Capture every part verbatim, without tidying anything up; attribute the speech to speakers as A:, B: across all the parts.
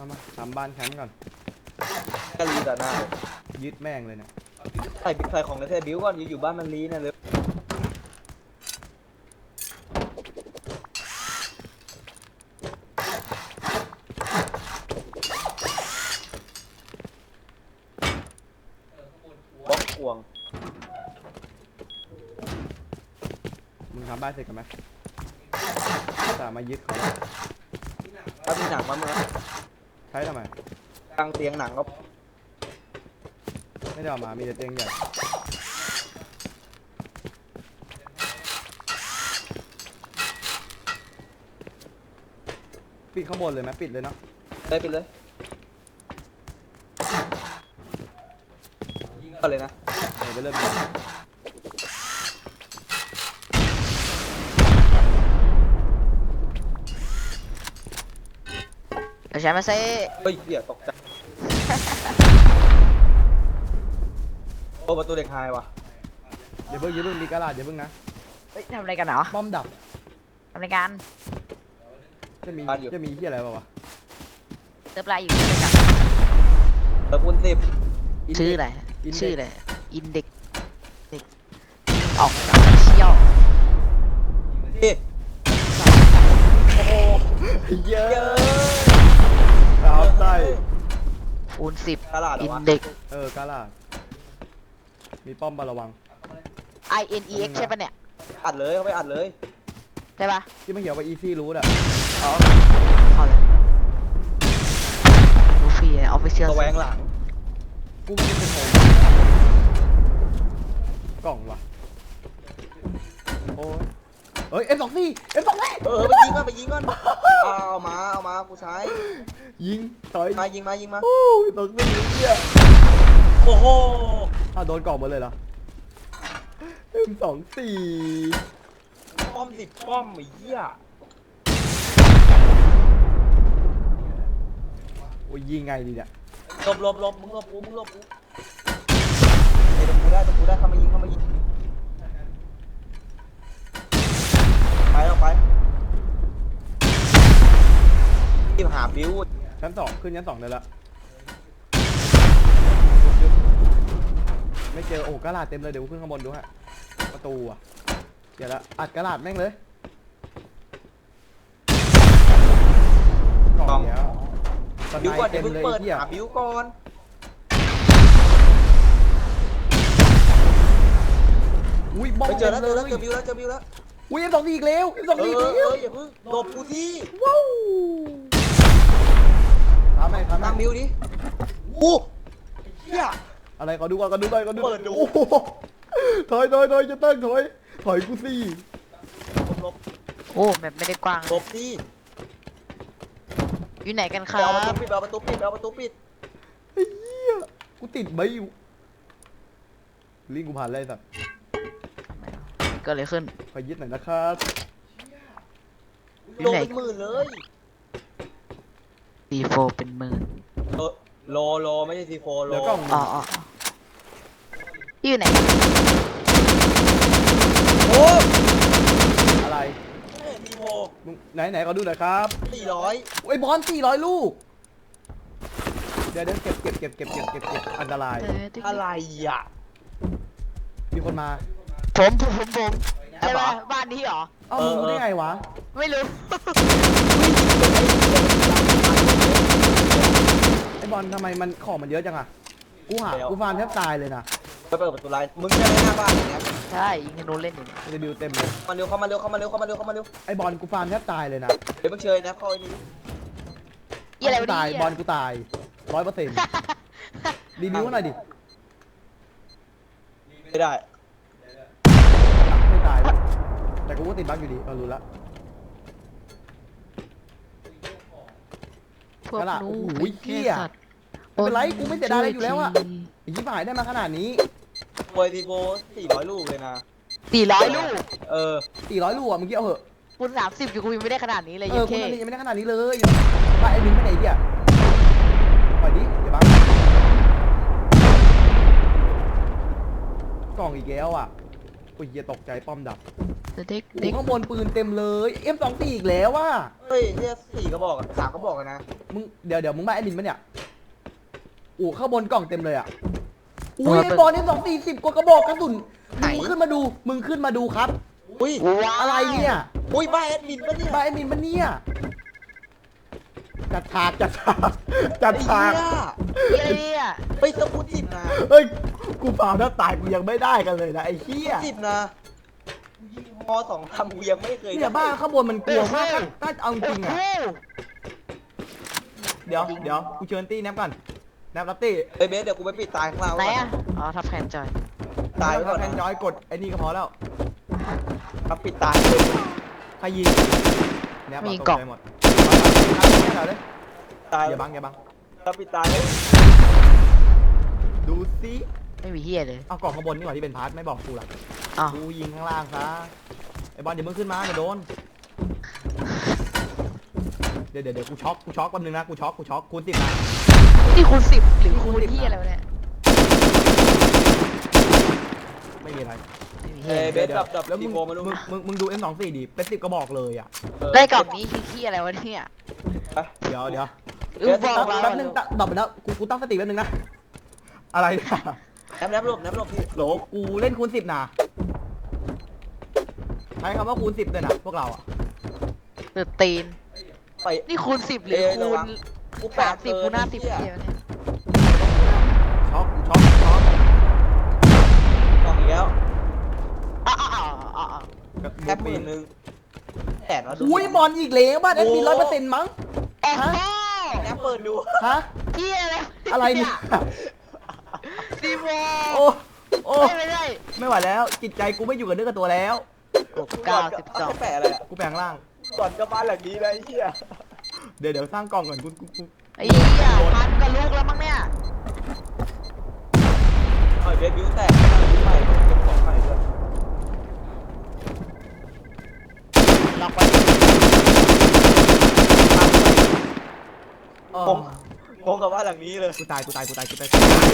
A: เอามาทำบ้านแคมป์ก่อน
B: กะลีแต่หน้าเลย
A: ยึดแม่งเลยเนี่ย
B: ใส่ใส่ของในเทบิวก่อนอยู่อยู่บ้านมันลีนะเลยบล็อกกวง
A: มึงทำบ้านเสร็จกันไหมแต่มายึดเขา
B: ถ้ามีหนังมาเมื่อ
A: ใช้ทำไม
B: กลางเตียงหนังก็
A: ไม่ได้เอามามีแต่เตียงใหญ่ปิดข้างบนเลยไหมปิดเลยเนาะ
B: ได้ปิดเลยก็เลยนะ
A: เดี๋ยวไปเริ่มดู
C: เดี๋ยวใช้มาเซ่
B: เฮ้ยเหี้ยตกใจโอ้ประตูเด็กหายว่ะ
A: เดี๋ยวเพิ่งยืดเพิ่งมีกระดาษเดี๋ยวเพิ่งนะ
C: เฮ้ยทำอะไรกันเหรอ
A: ป้อมดับ
C: ทำอะไรกัน
A: จะมีจะมีที่อะไรบ้างวะ
C: เติมลายอยู่ด้วยกัน
B: เติมคูณสิบ
C: ชื่ออะไรชื่ออะไรอินเด็กเด็กออกจากเชี่ยว
B: นี่โอ้เยอะ
A: เอาใส่
C: คูณสิบ
B: อิ
C: นเด็ก
A: เออกระดาษมีป้อมบาระวัง
C: I N E X ใช่ปะเนี่ย
B: อัดเลยเขาไปอัดเลย
C: ใช่ปะ
A: ที่ไม่เขียนว่า easy root อ่ะ
B: อ๋อ
C: เอาเลยรูฟี่ออฟฟิเชียล
B: ตัวแหวงหลัง
A: กูไม่ได้เป็นโหกล่องวะโอ้ยเฮ้ย เอ็ม สอง สี่ เอ็ม สอง สี่
B: เออไปยิงก่อนไปยิงก่อนเอามาเอามากูใช้
A: ยิงต่อย
B: มายิงมายิงมา
A: โอ้ยตกไม่ยิงเนี่ย
B: โอ้โห
A: อ้าวโดนกล่องหมดเลยเหรอ เอ็ม สอง สี่
B: ป้อมสิบป้อมไอ้เหี้ย
A: โอ้ยยิงไงดีเนี่ย
B: หลบหลบหลบมึงหลบกูมึงหลบกูไอ้ตรงกูได้ตรงกูได้เข้ามายิงเข้ามายิงไปแล้วไปที่หาบิว
A: ชั้นสองขึ้นชั้นสองเลยละไม่เจอโอ้กระดาษเต็มเลยเดี๋ยวขึ้นข้างบนดูฮะประตูอ่ะเดี๋ยวละอัดกระดาษแม่งเลยกล่องเนี้ย
B: บิวก่อนเดี๋ยวเพิ่งเปิดหาบิวก่อน
A: อุ้ยบอม
B: ไปเจอแล้วเจอแล้วเจอบิวแล้วเจอบิวแล้ว
A: อุ้ยเอ็มสองสี่อีกแล้วเอ็มสองสี่อีกแล้ว
B: อย่าเพิ่งหลบกูที่
A: ว้าวทำไมทำไม
B: ตั้งบิวดิโอ้เหี้ย
A: อะไรก็ดูก่อนก็ดูก่อนก็ดูเปิดดูถอยถอยถอยจะตั้งถอยถอยกูสิ
B: หลบ
C: โอ้แบบไม่ได้กว้าง
B: หลบสิ
C: อยู่ไหนกันครับ
B: เอาประตูปิดเอาประตูปิดเอาประตูปิด
A: ไอ้เหี้ยกูติดใบอยู่ลิงกูผ่านเลยสัตว์
C: ก็เลยขึ้น
A: ขอยึดหน่อยนะครับ
B: โดนเป็นหมื่นเลย
C: ซีโฟเป็นหมื่น
B: เออโลโลไม่ใช่ซีโฟโล
A: แล้วก็
C: อ๋ออ๋ออยู่ไหน
B: โอ้
A: อะไร
B: ซีโฟ
A: ไหนไหนก็ดูหน่อยครับ
B: สี่ร้อย
A: ไอ้บอลสี่ร้อยลูกเดี๋ยวเดี๋ยวเก็บเก็บเก็บเก็บเก็บเก็บเก็บอันตราย
B: อะไรอ่ะ
A: มีคนมา
C: ผมผมผมผมใช่ไหมบ้านนี้เหรอ
A: เอ้ามึงรู้ได้ไงวะ
C: ไม่รู้
A: ไอ้บอลทำไมมันของมันเยอะจังอะกูหากูฟาร์มแทบตายเลยนะ
B: ไปเปิดประตูไลน์มึงจะเล่นหน้าบ้านอย่างเงี้ย
C: ใช่ยิงธนูเล่นอยู่
A: จะบิวเต็มเลย
B: มาเร็วเข้ามาเร็วเข้ามาเร็วเข้ามาเร็วเข้ามาเร็ว
A: ไอ้บอลกูฟาร์มแทบตายเลยนะ
B: เดี๋ยวมึงเชยนะเข้าไอ้นี่
C: อะไร
A: ตายบอลกูตายร้อยเปอร์เซ็นต์รีวิวหน่อยดิ
B: ไม่ได้
A: ไม่ตายแต่กูก็ติดบั๊กอยู่ดีเรารู้ละ
C: พวกหนู
A: วิ่งเกี้ยไม่เป็นไรกูไม่เสียดายอะไรอยู่แล้วอะไอ้ยี่ป่ายได้มาขนาดนี้
B: โปรตีโฟสี่ร้อยลูกเลยนะ
C: สี่ร้อยลูก
B: เออ
A: สี่ร้อยลูกอะมึงเกี่ยวเหอะ
C: คุณสามสิบอยู่กูยังไม่ได้ขนาดนี้เลย
A: เออคุณยังไม่ได้ขนาดนี้เลยไปไอ้บินไปไหนเกี่ยปล่อยดิเดี๋ยวบ้างกล่องอีกแล้วอ่ะอ้ยเหี้ยตกใจป้อมดับ
C: เด็ก
A: โอ้
C: เด็ก
A: ข้างบนปืนเต็มเลย เอ็ม สองสิบ อีกแล้วว่ะ
B: เฮ้ยเนี่ยสี่กระบอกอะสามกระบอกอะนะ
A: มึงเดี๋ยวเดี๋ยวมึงบ้าแอดมินปะเนี่ยโอ้ข้างบนกล่องเต็มเลยอ่ะอุ้ยไอ้บอล เอ็ม สองสิบ สิบกว่ากระบอกกระสุนมึงขึ้นมาดูมึงขึ้นมาดูครับ
B: อุ้ย
A: อะไรเนี่ย
B: อุ้ยบ้าแอดมินปะเนี่ย
A: บ้าแอดมินปะเนี่ยจัดฉากจัดฉากจัด
B: ไอ้
A: ฉาก
B: เหี้ย
C: เฮีย
B: ไปสมุดสิบนะ
A: เฮ้ยกูฟาวถ้าตายกูยังไม่ได้กันเลยนะไอ้เหี้ย
B: สิบนะมอสองทำกูยังไม่เคย
A: เนี่ยบ้านข้างบนมันกลัวมากถ้าถ้าเอาจริงอ่ะ เดี๋ยวเดี๋ยวกูเชิญตี้แนบก่อนแนบรับตี้
B: เฮ้ยเบสเดี๋ยวกูไปปิดตายข้างล่าง
C: ไหน
B: ก่อน
C: อ่ะอ๋อทับแทนจอย
B: ตาย
A: แล้
B: ก่
A: ว
B: อน
A: แทนจอยกดไอ้นี่ก็พอแล้ว
B: ครับปิดตาย
A: ใครยิงแนบ
C: มีกล่อง
A: ตใจหมดเอาเลย
B: ตาย
A: อย่าบังอย่าบัง
B: ครับปิดตายเลย
A: ดูซิ
C: ไม่มีเฮียเลย
A: เอากล่องข้างบนนี่หว่าที่เป็นพาร์ทไม่บอกกูหรอก
C: อ้าว
A: กูยิงข้างล่างซะไอ้บอลเดี๋ยวมึงขึ้นมาเดี๋ยวโดนเดี๋ยวเดี๋ยวเดี๋ยวกูช็อกกูช็อกแป๊บนึงนะกูช็อกกูช็อกคูณสิบนะ
C: นี่คูณสิบหรือคูณเฮียอะไรวะเนี่ย
A: ไม่มีอะไร
C: ไม่มีเฮี
B: เฮ้
C: ย
B: ยเบสดับดับ
A: แล้วมึ
B: ตี
A: ง
B: โมมาลูก
A: มึงมึงมึงดู เอ็ม สองสิบ ดิเป็นสิบกระบอกเลยอ่ะ
C: ได้กล่องนี้คือเฮียอะไรวะเนี่ย
A: เดี๋ยวเดี๋ยว
C: เออบอกเรา
A: แป๊บนึงตะตอบไปแล้วกูกูตั้งสติแป๊บนึงนะอะไรเนี่ย
B: แนบแนบหลบแนบหลบพี่
A: โหลกูเล่นคูณสิบนะใช้คำว่าคูณสิบเลยนะพวกเราอ่ะ
C: เดือดตีน
B: ไป
C: นี่คูณสิบหรือ
B: เอ้ย
C: คู
B: ระวั
C: ณ
B: ง กูแป
C: สา
B: ด
C: มสิบ
B: เกิ
C: คู
B: น
C: ณห้าสิบ
B: ไอ้
C: เฮี
B: เหี้
C: ย
B: ย
C: วะเนี่ย
A: ช็อกกูช็อกช็อก
B: ออกอีกแล้ว
C: อ้าวอ้าวอ้าวอ้าว
A: กับ
B: แคปหมื่นหนึ่งแสนวะดู
A: อุ้ยบอลอีกแล้วบ้านแอดมินร้อยเปอร์เซ็นต์มั้ง
C: โอ้โห
B: แนบเปิดดู
A: ฮะ
C: เฮียอะไร
A: อะไรเนี่ย
C: ซีโม
A: โอ้โอ้
C: ไม่ได้
A: ไม่ไหวแล้วจิตใจกูไม่อยู่กับเนื้อกับตัวแล้ว
C: เก้าสิบสอง
B: แปะอะไรอะ
A: กูแปลงร่าง
B: ก่อนจะบ้านหลังนี้เลยไอ้เหี้ย
A: เดี๋ยวเดี๋ยวสร้างกล่องก่อนกูกูกู
C: ไอ้เหี้ยพันกับลูกแล้วมั้งเนี่ย
B: เฮ้ยเบสบิวแตกไปเก็บของใหม่ด้วย
C: ล็อกไว้
A: เออ
B: ผมงงกับบ้านหลังนี้เลย
A: กูตายกูตายกูตายกูตาย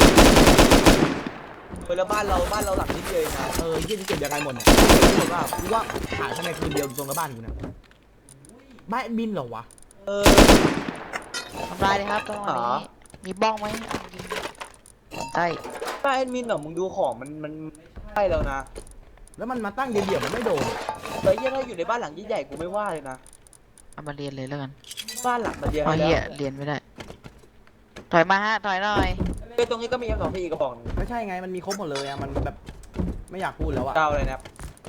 B: เฮ้ยแล้วบ้านเราบ้านเราหลังนี้เลยนะ
A: เออยี่สิบเจ็ดยังไงหมดเนี่ยกูบอกว่ากูว่าหายทำไมคืนเดียวตรงกับบ้านกูเนี่ยบ้านแอดมินเหรอวะ
B: เออ
C: ทำลายเลยครับตรงนี้มีบ้องไหมเอายิงใช่
B: บ้านแอดมินเหรอมึงดูของมันมันใช่แล้วนะ
A: แล้วมันมาตั้งเดี่ยวๆมันไม่โดน
B: แต่เหี้ยถ้าอยู่ในบ้านหลังใหญ่ๆกูไม่ว่าเลยนะ
C: เอามาเรียนเลยแล้วกัน
B: บ้านหลังมันเดียว
C: เอา
B: ให้
C: เหี้ย
B: แล้ว
C: เรียนไม่ได้ ถอยมาฮะ ถอยหน่อย
B: เฮ้ยตรงนี้ก็มี เอ็ม สอง พี อีกกระบอกหนึง
A: ไม่ใช่ไงมันมีครบหมดเลยอะมันแบบไม่อยากพูดแล้วอะ
B: เก้าเลยนะครับ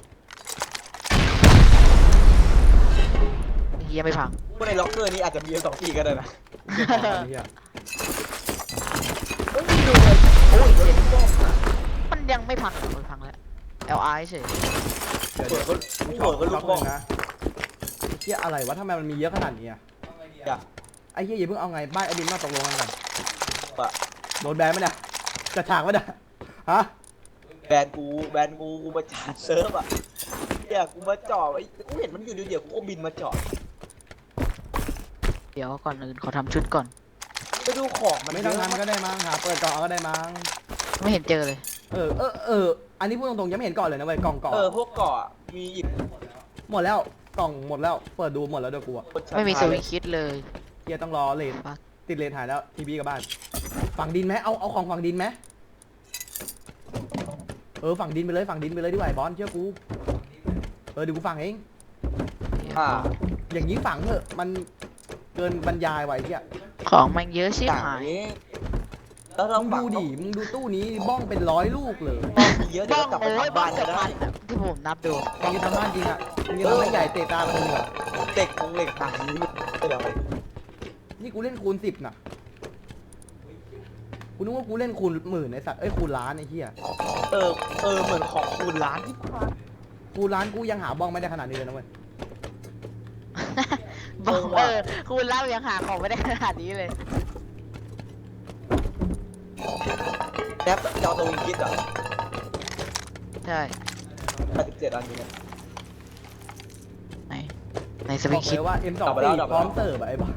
C: เฮียไม่พัง
B: พวกในล็อกเกอร์นี้อาจจะมี เอ็ม สอง พี ก็ได้นะ
A: เหี้ย
B: เฮ้ยดูเลยโอ้ยเจ็บป้อมอะ
C: มันยังไม่พังมันพังแล้ว แอล ไอ เฉย
A: เดี๋ยว
B: เปิ
A: เดี๋
B: ด
A: ยว
B: ก็
A: กู
B: เปิดก็ลู
A: ช็อก
B: ก
A: ห
B: บ้อง
A: นึ่งนะไอ้เหี้ยอะไรวะทำไมมันมีเยอะขนาดนี้อะ
B: อย่า
A: ไอ้เหี้ยอย่าเพิ่งเอาไงบ้านแอดมินมาตกลงกันก่อน
B: ปะ
A: โดนแบนไหมเนี่ยจะฉากไหมเนี่ยฮะ
B: แบนกูแบนกูกูมาจาดเซิร์ฟอ่ะเนี่ยกูมาจอดไอ้กูเห็นมันอยู่เดียวๆกูก็บินมาจอด
C: เดี๋ยวก่อนอื่นขอทำชุดก่อน
B: ไปดูของมัน
A: ไม่
B: เย
A: ต้อง
B: อะ
A: ทำก็ได้มั้งหาเปิดกล่องเอาก็ได้มั้ง
C: ไม่เห็นเจอเลย
A: เออเออเอออันนี้พูดตรงๆยังไม่เห็นก่อนเลยนะเว้ยกล่องก่อน
B: เออพวกเกาะมีอีก
A: หมดแล้วกล่องหมดแล้วเปิดดูหมดแล้วเดี๋ยวกูอะ
B: คนชั้น
C: ไม่มีส
B: ท้าย
C: วิงคิดเลย
A: เฮียต้องรอเลน
C: ปั๊ก
A: ติดเลนหายแล้วทีบีกับบ้านฝั่งดินไหมเอาเอาของฝั่งดินไหมเออฝั่งดินไปเลยฝั่งดินไปเลยดีกว่าไอ้บอลเชื่อกูเออเดี๋ยวกูฝั่งเอง
B: อ่า
A: อย่างนี้ฝั่งเถอะมันเกินบรรยายไว้เฮีย
C: ของมันเยอะชิบ
B: ต่าง
C: หาย
B: นี้แล้วเรา
A: มึง
B: ฝั
A: ดู
B: ง
A: ดิมึงดูตู้นี้บ้องเป็นร้อยลูกเลย
B: บ้องมีเยอะเดี๋
C: บ้
B: ยว
C: อง
B: เรากลับไป
C: โอ้ย
B: ทำ
C: บ้อ
B: บ้าง น
C: เกื
B: กั
C: อน บ
B: ได้
C: พันอะที่ผมนับดู
A: มึงจะทำบ้านจริงอ่ะมึงจะทำให้ใหญ่เตะตาคนหนึ่งเหรอ
B: เด็กคงเหล็กต่างนี้ไม่เดี๋ยว
A: นี่กูเล่นคูณสิบนะกูนึกว่ากูเล่นคูณหมื่นไอ้สัตว์เอ้ยคูณล้านไอ้เหี้ย
B: เออเออเหมือนของคูณล้านที่พัน
A: คูณล้านกูยังหาบ้องไม่ได้ขนาดนี้เลยนะเว้ย
C: บ้อง
B: เออ
C: เออคุณเล่ายังหาของไม่ได้ขนาดนี้เลย
B: แนบจอตัววิงคิดอ่ะ
C: ใช่
B: แปดสิบเจ็ดอันนี้เนี่ย
C: ไหนในส
A: บ
C: วิ
A: อง ก
C: คิ
A: เล
C: ด
A: ยว่า เอ็ม สอง
B: กลับไปแล้ว
A: สี่
B: กลับไป
A: พร้อ
B: แล้ว
A: มเสิร์ฟอะไอ้บอล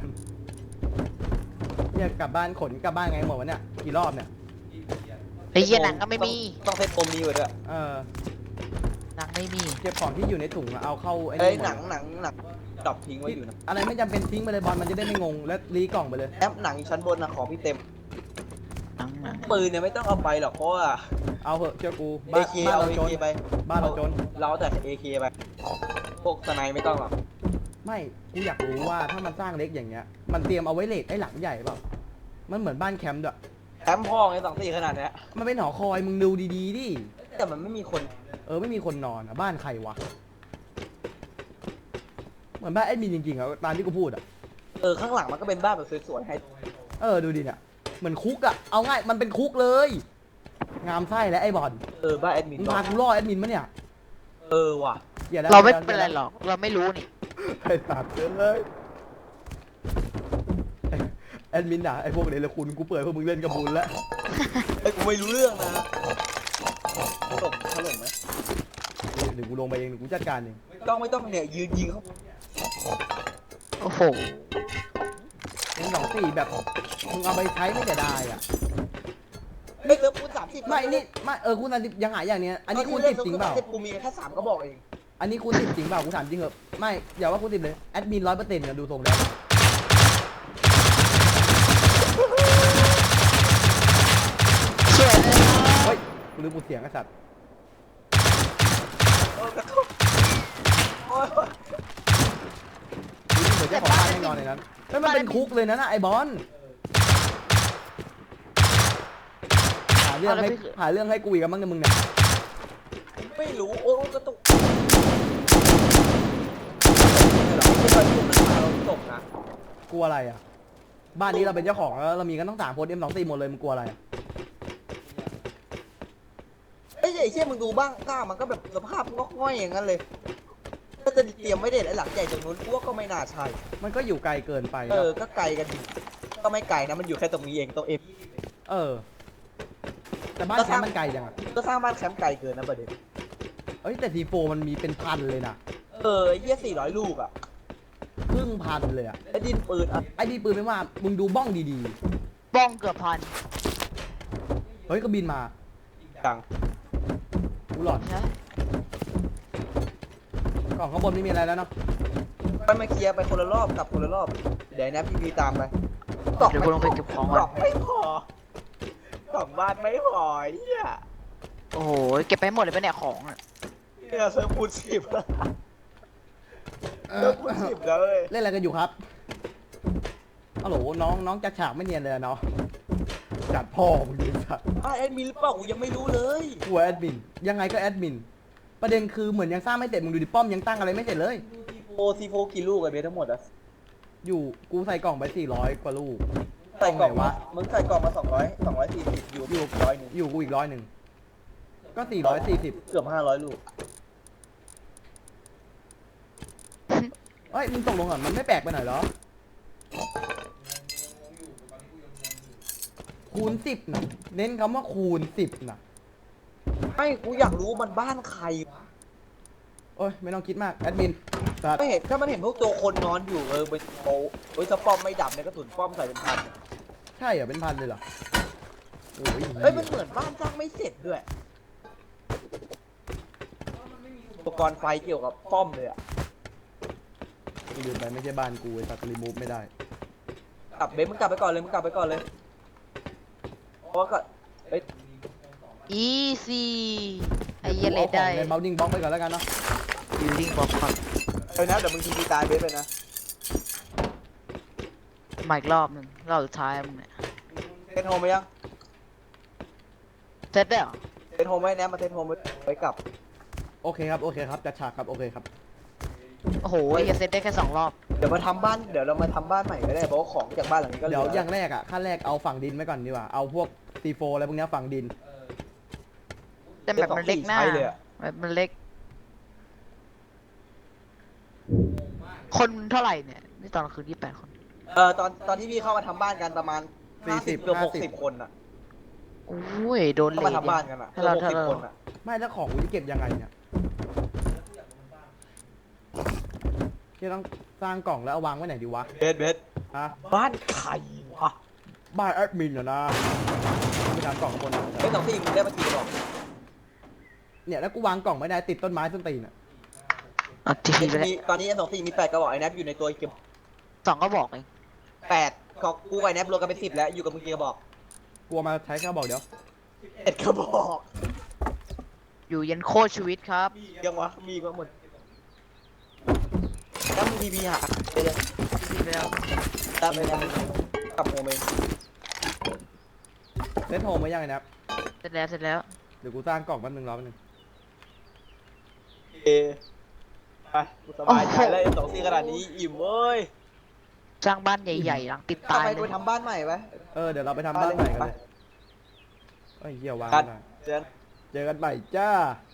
A: เนี่ยกลับบ้านขนกลับบ้านไงหมดวะเนี่ยกี่รอบเนี่ย
C: ไอ้เหี้ยหนังก็ไม่มี
B: ต้องเซ็ตปมนี้ไว้ด้วย
A: เออ
C: ไหนไม่มี
A: เก็บของที่อยู่ในถุงอะเอาเข้าไอ้
B: เอ้ย
A: นี่
B: หนังหนังหนังดรอปทิ้งไว้อยู่นะ
A: อะไรไม่จำเป็นทิ้งไปเลยบอลมันจะได้ไม่งงและรีกล่องไปเลย
B: แอปหนังชั้นบนนะของพี่เต็ม
C: หนังหนัง
B: ปืนเนี่ยไม่ต้องเอาไปหรอกเพราะว่า
A: เอาเหอะเชื่อกู
B: เอ
A: บ้าน
B: เค
A: บ้าน
B: เอา
A: เรา
B: เอ
A: จน
B: เคไป
A: บ้านเราจน
B: เราแต่เอเคไปพวกสไนไม่ต้องหรอก
A: ไม่กูอยากรู้ว่าถ้ามันสร้างเล็กอย่างเงี้ยมันเตรียมเอาไว้เลทไอ้หลังใหญ่เปล่ามันเหมือนบ้านแคมป์ด้วย
B: แอมพ่อไงสองสี่ขนาดเนี้ย
A: มันเป็นหอคอยมึงดูดีๆดิ
B: แต่มันไม่มีคน
A: เออไม่มีคนนอนอะบ้านใครวะเหมือนบ้านแอดมินจริงๆอะตามที่กูพูดอะ
B: เออข้างหลังมันก็เป็นบ้านแบบสวยๆให้
A: เออดูดิเนี่ยเหมือนคุกอะเอาง่ายมันเป็นคุกเลย งามไส้และไอ้บอล
B: เออบ้านแอดมิน
A: มึงพากูล่อแอดมินมะเนี่ย
B: เออว่ะ
A: อย่าด้
C: เราไม่เป็นไรหรอก เราไม่รู้นี่
A: ไอ้สัตว์เลยแอดมินด่าไอ้พวกเดรคุณกูเปิดพวกมึงเล่นกับบุญแล้ว
B: ไอ้ยกูไม่รู้เรื่องนะถล่มถล่มไหม
A: เดี๋ยวกูลงไปเองเดี๋ยวกูจัดการเอง
B: ต้องไม่ต้องเนี่ยยืนยิงเขา
C: โอ้โห
A: เป็นสองสี่แบบมึงเอาไปใช้ไม่แต่ได้อะ
B: ไม่เติมคูณสามสิบ
A: ไม่นี่ไม่เออคูณสามสิบยังหายอย่างเนี้ยอันนี้คูณสิบจริงเปล่า
B: กูมีแค่สามก็บอกเอง
A: อันนี้คูณสิบจริงเปล่ากูถามจริงเหอะไม่อย่าว่าคูณสิบเลยแอดมินร้อยเปอร์เซ็นต์นะดูทรงแล้ว
C: สวยเลย
A: เฮ้ยกูลืมกูเสียงไอ้สัตว์
B: เออกระทบโอ้ย
A: ดูดิเหมือนเจ้าของบ้านแน่นอนในนั้นไม่มันเป็นคุกเลยนะน่ะไอ้บอลหาเรื่องให้หาเรื่องให้กูอีกมั้งเนี่ยมึงเนี่ย
B: ไม่รู้โอ้ยกระตุกไม่หรอกไม่เคยพูดมันมาเราตกนะ
A: กลัวอะไรอ่ะบ้านนี้เราเป็นเจ้าของแล้วเรามีกันต้องสามคนเอ็มสองสี่หมดเลยมึงกลัวอะไรอะ
B: ไอ้ยไอ้เชี่ยมึงดูบ้างก้ามันก็แบบสภาพงอกง่อยอย่างนั้นเลยถ้าจะเตรียมไม่เด็ดไอ้หลังใหญ่ตรงนู้นกูว่าก็ไม่น่าใช่
A: มันก็อยู่ไกลเกินไป
B: เอ
A: นะ
B: อก็ไกลกันอยู่ก็ไม่ไกลนะมันอยู่แค่ตรงนี้เองตัวเอ็ม
A: เออ แต่บ้านแคมป์มันไกลจังอ่ะ
B: ก็สร้างบ้านแคมป์ไกลเกินนะประเด็น
A: เอ้ยแต่ทีโฟมันมีเป็นพันเลยนะ
B: เออไอ้เหี้ยสี่ร้อยลูกอ่ะ
A: ครึ่งพันเลยอ่ะ
B: ไอ้ดินปืนอ่ะ
A: ไอ้ดีปืนไม่ว่ามึงดูบ้องดี
C: บ้องเกือบพัน
A: ๆเฮ้ยก็บินมา
B: จัง
A: กูหลอด
C: ใช่
A: กล่องข้างบนไม่มีอะไรแล้วเนาะ
B: ไปมาเคลียร์ไปคนละรอบกลับคนละรอบเดี๋ยวนะพี่พีตามไป
C: เดี๋ยวกูลงไปเก็บของ
B: ก
C: ก่
B: ล่
C: อ
B: อน งไม่พอกล่องบ้านไม่พอไอ้เหี้ย
C: โอ้โห เก็บไปหมดเลยปะเนี่ยของอะ
B: เนี่ยเซิร์ฟคูณสิบแล้ว
A: เอ
B: เซิ
A: อ
B: ร์ฟคูณสิบแล้วเลย
A: เล่นอะไรกันอยู่ครับฮัลโหลน้องน้องจัดฉากไม่เนียนเลยอะเนาะจัดพ่อมึงดิสัตว์
B: อ้าวแอดมินหรือเปล่ากูยังไม่รู้เลย
A: กูแอดมินยังไงก็แอดมินประเด็นคือเหมือนยังสร้างไม่เสร็จมึงดูดิป้อมยังตั้งอะไรไม่เสร็จเลย
B: โอซีโฟกี่ลูกอะเบสทั้งหมดอะ
A: อยู่กูใส่กล่องไปสี่ร้อยกว่าลูก
B: ใส่กล่อง
A: ไหน
B: มาว
A: ะ
B: มึงใส่กล่องมาสองร้อยสองร้อยสี่สิบอยู่
A: อยู่
B: ร้อยหนึ่ง
A: อยู่กูอีกร้อยหนึ่งก็สี่ร้อยสี่สิบ
B: เกือบห้าร้อยลูก
A: เอ้ยมึงตกลงก่อนมันไม่แปลกไปหน่อยเหรอคูณสิบนะเน้นคำว่าคูณสิบนะ
B: ไม่กูอยากรู้มันบ้านใครวะ
A: โอ้ยไม่ต้องคิดมากแอดมินสัตว์
B: ไม่เห็นถ้ามันเห็นพวกตัวคนนอนอยู่เออเป็นโป๊ะเฮ้ยถ้าป้อมไม่ดับเนี่ยกระสุนป้อมใส่เป็นพัน
A: ใช่เหรอเป็นพันเลยเหรอโอ้ย
B: เฮ้ยมันเหมือนบ้านสร้างไม่เสร็จด้วยอุปกรณ์ไฟเกี่ยวกับป้อมเลยอะ
A: กูลืมไปไม่ใช่บ้านกูไอ้สัตว์รีมูฟไม่ได้
B: กลับเบสมึงกลับไปก่อนเลยมึงกลับไปก่อนเลยเพราะว่าก็เอ้ย
C: อีซี่ไอ้เหี้ยเลย
A: อาข
C: ได้
A: องในเบลดิ้งบล็อกไปก่อนแล้วกันเนาะ
C: บิวดิ้งบล็อกก่อน
B: เอ้ยนะเดี๋ยวมึงทีพีตายเบสไปนะ
C: มาอีกรอบหนึ่งรอบสุดท้ายมึงเนี่ย
B: เทนโฮมไปยัง
C: เสร็จได้เหรอ
B: เทนโฮมไว้แนมมาเทนโฮมไปกลับ
A: โอเคครับโอเคครับจัดฉากครับโอเคครับ
C: โอ้โหไอ้เหี้ยเสร็จได้แค่สองรอบ
B: เดี๋ยวมาทำบ้านเดี๋ยวเรามาทำบ้านใหม่ก็ได้เพราะว่าของจากบ้านหลังนี้ก็เหลื
A: เดี๋ยว
B: อ
A: อย่างแรกอ่ะขั้นแรกเอาฝั่งดินไว้ก่อนดีกว่าเอาพวกซีโฟอะไรพวกเนี้ยฝั่งดิน
C: แต่แบบมันเล็กหน้า
B: ใช้เลยอะ
C: แบบมันเล็ก คนเท่าไหร่เนี่ย นี่ตอนคืนยี่แปดคน
B: เออตอนตอนที่พี่เข้ามาทำบ้านกันประมาณ
A: สี่สิบ
B: เกือบห
A: ห้าก สิ
B: สิ
A: บ
B: บคนอ่ะ
C: โอ้ย โดน
B: เข้า
C: เล
B: มาย ทำบ้านกันอ่ะ
C: ถ้า
B: เกือ
C: เรา
B: บหก
C: ถ้า
B: สิบ
C: เรา
B: คนอ่ะ
A: ไม่แล้วของกูจะเก็บยังไงเนี่ยที่ต้องสร้างกล่องแล้วเอาวางไว้ไหนดีวะ
B: เบสเบส
A: ฮะ
B: บ้านใครวะ
A: บ้านแอดมินเหรอนะไม่ทำกล่องข้างบนนะ
B: เบสสองสี่มึงได้มากี่กล่อง
A: เนี่ยแล้วกูวางกล่องไม่ได้ติดต้นไม้ต้นตีนอ่ะ
C: เอาทีพีไปแล้ว
B: มีตอนนี้เอ็มสองสี่มีแปดกระบอกไอ้แนบอยู่ในตัวเก็บ
C: สองก็บอกเอง
B: แปดของกูกับไอ้แนบรวมกันเป็นสิบแล้วอยู่กับมึงกี่กระบอก
A: กลัวมาใช้แค่บอกเดี๋ยว
B: เอ็ดกระบอก
C: อยู่ยันโคตรชีวิตครับ
B: ยังวะมีมาหมดแล้วมึงทีพีหาไปเลย
C: ทีพีไปแล้ว
B: ตามไปแล้วกับโมเมนต์
A: เล่นโฮมไว้ยังไงนะครับ
C: เสร็จแล้วเสร็จแล้ว
A: เดี๋ยวกูสร้างกล่องแป๊บนึงรอแป๊บนึง
B: เอไปกูสบายใจแล้วเอ็มสองสี่ขนาดนี้อิ่มเว้ย
C: สร้างบ้านใหญ่ๆหลังติด
B: ทำ
C: ตาย
B: ไม
C: เล
B: กู
C: ย
B: ทำบ้านใหม่ไป
A: เออเดี๋ยวเราไปทำบ้านใหม่กันเลยเอ้ยเหี้ยวาง
B: กั
A: ไม่
B: น
A: ได้
B: เจอ
A: เจอกันใหม่จ้า